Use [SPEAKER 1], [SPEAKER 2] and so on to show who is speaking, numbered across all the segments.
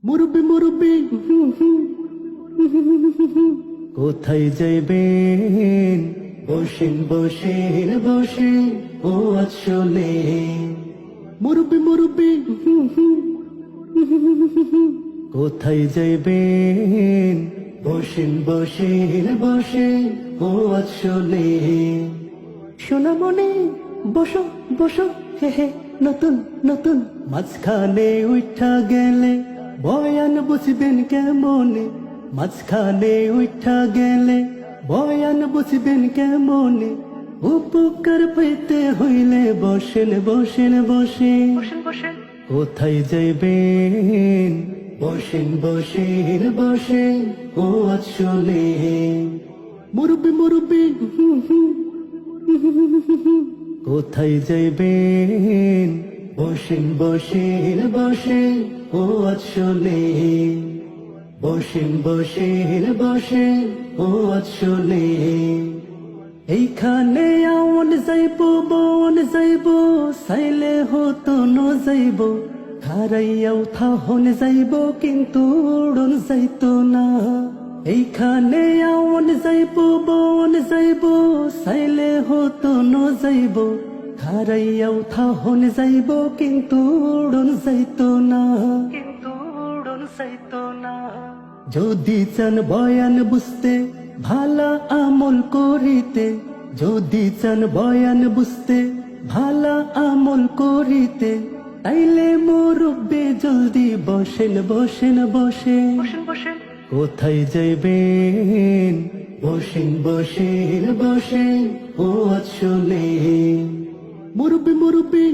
[SPEAKER 1] মুরব্বি মুরব্বি কোথায় যাইবেন? বসেন বসেন বসে ও আসলে মুরব্বি মুরব্বি কোথায় যাইবেন? বসেন বসেন বসে ও আসলে সোনামণি বসো বসো হে হে নতুন নতুন মাঝখানে উঠা গেলে বয়ান বুঝবেন কেমনে? মাঝখানে উঠা গেলে বয়ান বুঝবেন কেমনে? উপকার পেতে হইলে বসেন বসেন বসেন কোথায় যাইবেন? বসেন বসেন বসেন ও আসলে মুরব্বি মুরব্বি কোথায় যাইবেন? বসেন বসেন বসেন ও আসলে বসেন বসেন বসেন ও আসলে এইখানে আওন যাইব বন যাইব সাইলে হতো ন যাইব খারাইয়াও থাহন যাইব কিন্তু উড়ন যাইতো না এইখানে আওন যাইব বন যাইব সাইলে হতো ন যাইব খারাইয়াও থাহন যাইব কিন্তু উড়ন যাইতো না যদি চান বয়ান বুঝতে ভালা আমল করিতে যদি চান বয়ান বুঝতে ভালা আমল করিতে তাইলে মুরব্বি জলদি বসেন বসেন বসেন কোথায় যাইবেন? বসেন বসেন বসেন ও আসলে মুরব্বি মুরব্বি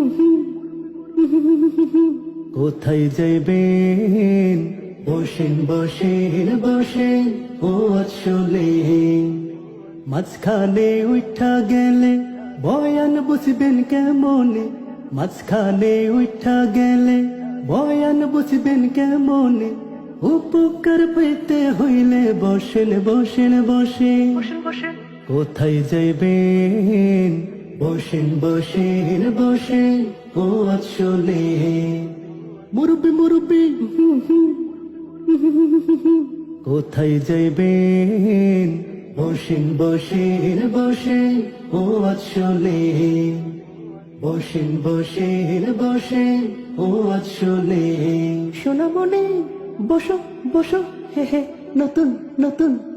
[SPEAKER 1] কোথায় যাইবেন? বসেন বসেন বসেন ও আসলে মাঝখানে উঠা গেলে বয়ান বুঝবেন কেমনে? মাঝখানে উঠা গেলে বয়ান বুঝবেন কেমনে? উপকার পেতে হইলে বসেন বসেন বসেন কোথায় যাইবেন? বসেন বসেন বসেন ও আসলে মুরব্বি মুরব্বি কোথায় যাইবেন? বসেন বসেন বসেন ও আসলে বসেন বসেন বসেন ও আসলে সোনামণি বসো বসো হে হে নতুন নতুন